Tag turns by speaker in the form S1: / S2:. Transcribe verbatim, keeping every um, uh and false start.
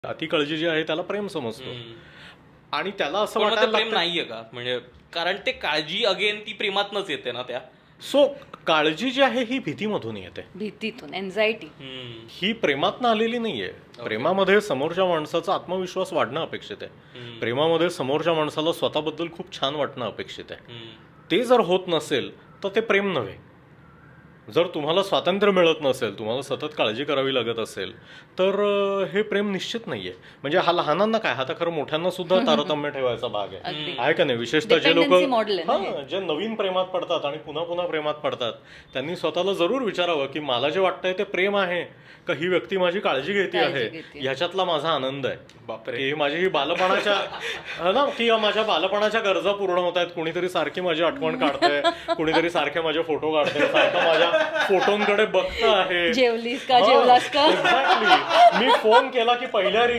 S1: अति काळजी जी आहे त्याला प्रेम समजतो आणि त्याला असं
S2: पण मग ते
S1: वाटायला
S2: प्रेम
S1: लागतं
S2: नाहीये का म्हणजे कारण ते काळजी अगेन ती प्रेमातनच येते ना त्या
S1: सो काळजी जी आहे ही भीतीमधून येते.
S3: भीतीतून एन्झायटी
S2: हम्म.
S1: ही प्रेमातनं आलेली नाहीये. प्रेमामध्ये समोरच्या माणसाचा आत्मविश्वास वाढणं अपेक्षित आहे. प्रेमामध्ये समोरच्या माणसाला स्वतःबद्दल खूप छान वाटणं अपेक्षित आहे.
S2: हम्म.
S1: ते जर होत नसेल तर ते प्रेम नव्हे. जर तुम्हाला स्वातंत्र्य मिळत नसेल, तुम्हाला सतत काळजी करावी लागत असेल तर अं, हे प्रेम निश्चित नाहीये. म्हणजे हा लहानांना काय, हा तर खरं मोठ्यांना सुद्धा तारतम्य ठेवायचा भाग आहे
S3: अगदी.
S1: आहे का नाही. विशेषतः जे लोक
S3: Dependency model आहे ना हे.
S1: हा जे नवीन प्रेमात पडतात आणि पुन्हा पुन्हा प्रेमात पडतात त्यांनी स्वतःला जरूर विचारावं की मला जे वाटतंय ते प्रेम आहे का ही व्यक्ती माझी काळजी घेते
S3: काळजी
S1: आहे,
S3: घेतेय.
S1: ह्याच्यातला माझा आनंद आहे.
S2: बापरे.
S1: की माझी ही बालपणाच्या हा ना की माझ्या बालपणाच्या गरजा पूर्ण होत आहेत. कुणीतरी सारखी माझी आठवण काढतंय, कुणीतरी सारखे माझे फोटो काढतंय, सारखं माझ्या फोटोंकडे बघत आहे.
S3: जेवलीस का जेवलास का
S1: एक्झॅक्टली. मी फोन केला की पहिल्या